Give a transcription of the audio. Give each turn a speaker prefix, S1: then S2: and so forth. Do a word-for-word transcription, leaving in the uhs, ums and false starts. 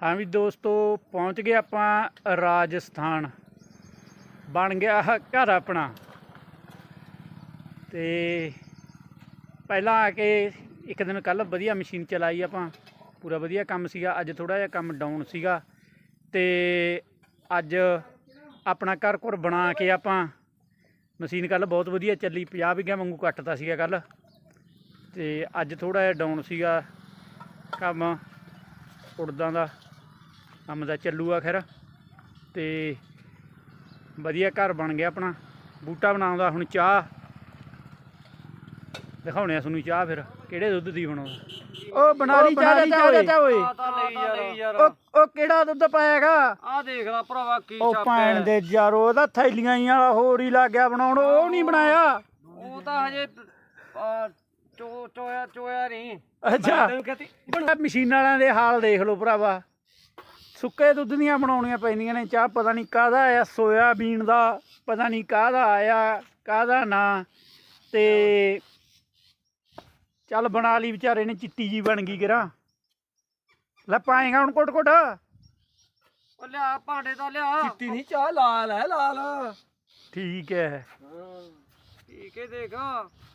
S1: हाँ भी दोस्तों पहुँच गए ਆਪਾਂ राजस्थान बन गया घर अपना ते पहला आके एक दिन कल वधिया मशीन चलाई ਆਪਾਂ पूरा वधिया काम सीगा। अज थोड़ा जिहा काम डाउन सीगा ते अज अपना घर घुर बना के ਆਪਾਂ मशीन कल बहुत वधिया चली पचास बीघा वांगू कट्टता सीगा कल ते अज थोड़ा जिहा डाउन सीगा काम उड़दा दा काम दा चलूगा खैर ते वधिया घर बन गया अपना। बूटा बनाउंदा हुण चाह दिखाउने आ तुहानूं चाह फिर किहड़े दुद्ध दी बनाउंदा। ओ बना ली चाह चाचा ओए ओ किहड़ा दुद्ध पाएगा
S2: आ देख ला भरावा की
S1: ओ भैन दे यारो ओहदा थैलियां ही वाला होर ही लग गया बनाउण ओ नहीं बनाया
S2: ਉਹ ਤਾਂ ਹਜੇ ਚੋ ਚੋਇਆ ਚੋਇਆ ਨਹੀਂ।
S1: अच्छा मशीनां वालियां दे हाल देख लो भरावा सुक्के दुद्ध दियां बनाउणियां पैंदियां ने चाह पता नहीं काहदा आया सोयाबीन दा पता नहीं काहदा आया काहदा ना ते चल बना ली बेचारे ने चिट्टी जी बन गई गिरा ले पाएगा हुण कुट कुट
S2: ਉਹ ਲਿਆ ਭਾਂਡੇ ਦਾ ਲਿਆ।
S3: चिट्टी नहीं चाह लाल है लाल।
S1: ठीक है
S2: ਠੀਕ ਹੈ देख